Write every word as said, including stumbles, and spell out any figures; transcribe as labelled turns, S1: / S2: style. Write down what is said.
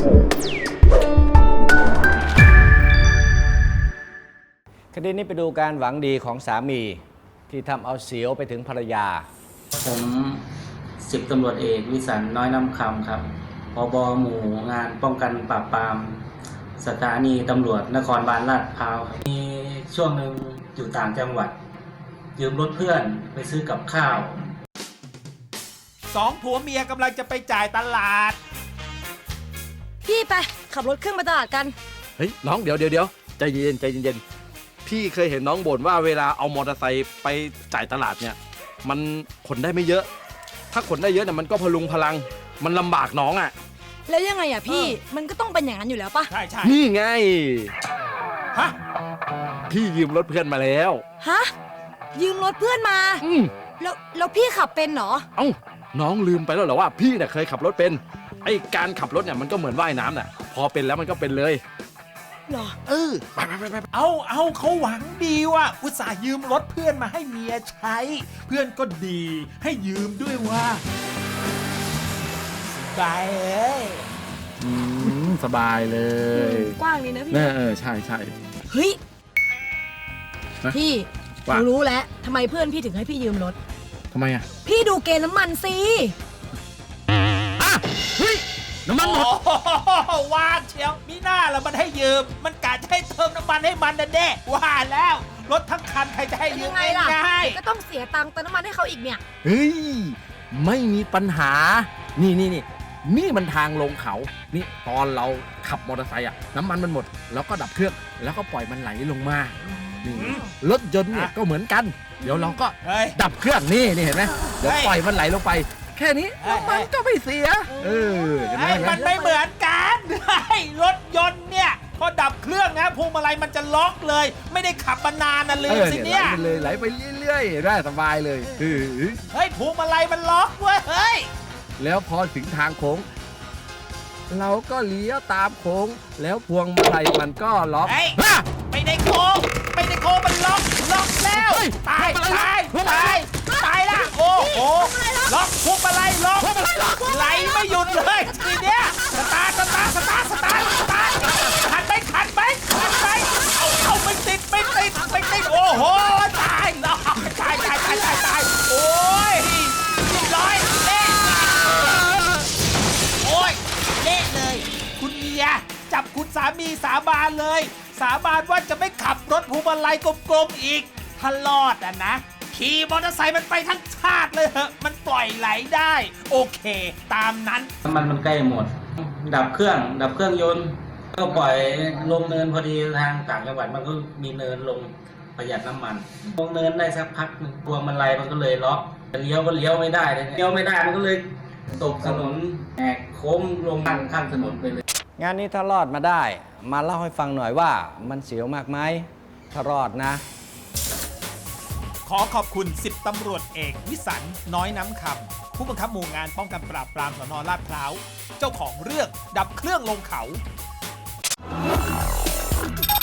S1: คดีนี้ไปดูการหวังดีของสามีที่ทำเอาเสียวไปถึงภรรยา
S2: ผมสิบตำรวจเอกวิสันต์น้อยน้ำคำครับผบ.หมู่งานป้องกันปราบปรามสถานีตำรวจนครบาลลาดพร้าวครับมีช่วงหนึ่งอยู่ต่างจังหวัดยืมรถเพื่อนไปซื้อกับข้าว
S3: สองผัวเมียกำลังจะไปจ่ายตลาด
S4: พี่ไปขับรถขึ้นมาตลาดกัน
S5: เฮ้ยน้องเดี๋ยวเดี๋ยวเดี๋ยวใจเย็นใจเย็นพี่เคยเห็นน้องบ่นว่าเวลาเอามอเตอร์ไซค์ไปจ่ายตลาดเนี่ยมันขนได้ไม่เยอะ ถ้าขนได้เยอะเนี่ยมันก็พลุงพลังมันลำบากน้องอ่ะ
S4: แล้วยังไงอ่ะพี่มันก็ต้องเป็นอย่างนั้นอยู่แล้วปะ
S3: ใช่ใช่
S5: นี่ไง
S3: ฮะ
S5: พี่ยืมรถเพื่อนมาแล้ว
S4: ฮะยืมรถเพื่อนมา
S5: อืม
S4: แล้วแล้วพี่ขับเป็นเหรอ
S5: เอ้าน้องลืมไปแล้วเหรอว่าพี่เนี่ยเคยขับรถเป็นไอ้การขับรถเนี่ยมันก็เหมือนว่ายน้ำน่ะพอเป็นแล้วมันก็เป็นเลย
S4: เหรอ
S5: เออไปไปไปไป
S3: เอาเอาเขาหวังดีว่ะอุตส่าห์ยืมรถเพื่อนมาให้เมียใช้เพื่อนก็ดีให้ยืมด้วยว่าสบายเอ้ย
S5: สบายเลย
S4: กว้างนี่นะพี่
S5: เออใช่ใช่
S4: เฮ้ยพี่หนูรู้แล้วทำไมเพื่อนพี่ถึงให้พี่ยืมรถ
S5: ทำไมอ่ะ
S4: พี่ดูเกณฑ์น้ำมันสิ
S5: อ่ะเฮ้ยน้ำมันหมด
S3: ว่าเชียวมีหน้าแล้วมันให้ยืมมันกะจะให้เติมน้ำมันให้มันนะเด้ว่าแล้วรถทั้งคันใครจะให้ยืมง่าย
S4: ๆก็ต้องเสียตังค์เติมน้ำมันให้เขาอีกเนี่ย
S5: เฮ้ยไม่มีปัญหานี่นี่นี่นี่มันทางลงเขานี่ตอนเราขับมอเตอร์ไซค์อ่ะน้ำมันมันหมดแล้วก็ดับเครื่องแล้วก็ปล่อยมันไหลลงมานี่รถยนต์เนี่ยก็เหมือนกันเดี๋ยวเราก็ดับเครื่องนี่นี่เห็นไหมเดี๋ยวปล่อยมันไหลลงไปแค่นี้น้ำมันก็ไม่เสียเออ
S3: ไอ้มันไม่เหมือนกันรถยนต์เนี่ยพอดับเครื่องนะพวงมาลัยมันจะล็อกเลยไม่ได้ขับมานานนะลืมสิเนี่ย
S5: ไหลไปเลยไหลไปเรื่อยๆได้สบายเลยเ
S3: ฮ้ยพวงมาลัยมันล็อกเว้ยเฮ้ย
S5: แล้วพอถึงทางโค้งเราก็เลี้ยวตามโค้งแล้วพวงมาลัยมันก็ล็อก
S3: ไม่ได้โค้งไม่ได้โค้งมันล็อกล็อกแล้วตายตายตายตายละโอ้โหล็อกพวงมาลัยล็อกไหลไม่หยุดเลยทีเนี้ยสตาร์สตาร์สตาร์สตาร์สตาร์ขันไปขันไปขันไปเอาเอาไม่ติดไม่ติดไม่ติดโอ้โหตายแล้วตายตายตายตายตายโอ้ยเรียบร้อยเละโอ้ยเละเลยคุณเมียจับคุณสามีสาบานเลยสาบานว่าจะไม่ขับรถพวงมาลัยกลมๆอีกถ้ารอดอ่ะนะขี่มอเตอร์ไซค์มันไปทั้งชาติเลยเหอะมันปล่อยไหลได้โอเคตามนั้น
S2: น้ำมันมันใกล้หมดดับเครื่องดับเครื่องยนต์ก็ปล่อยลงเนินพอดีทางต่างจังหวัดมันก็มีเนินลงประหยัดน้ำมันลงเนินได้สักพักนึงพวงมาลัยมันก็เลยล็อกเลี้ยวก็เลี้ยวไม่ได้เลยเลี้ยวไม่ได้มันก็เลยตกถนนแหกโค้งลงข้างข้างถนนไปเลย
S1: งานนี้ถ้ารอดมาได้มาเล่าให้ฟังหน่อยว่ามันเสียวมากไหมถ้ารอดนะ
S3: ขอขอบคุณสิบตำรวจเอกวิสันต์น้อยน้ำคำผู้บังคับหมู่งานป้องกันปราบปรามสน.ลาดพร้าวเจ้าของเรื่องดับเครื่องลงเขา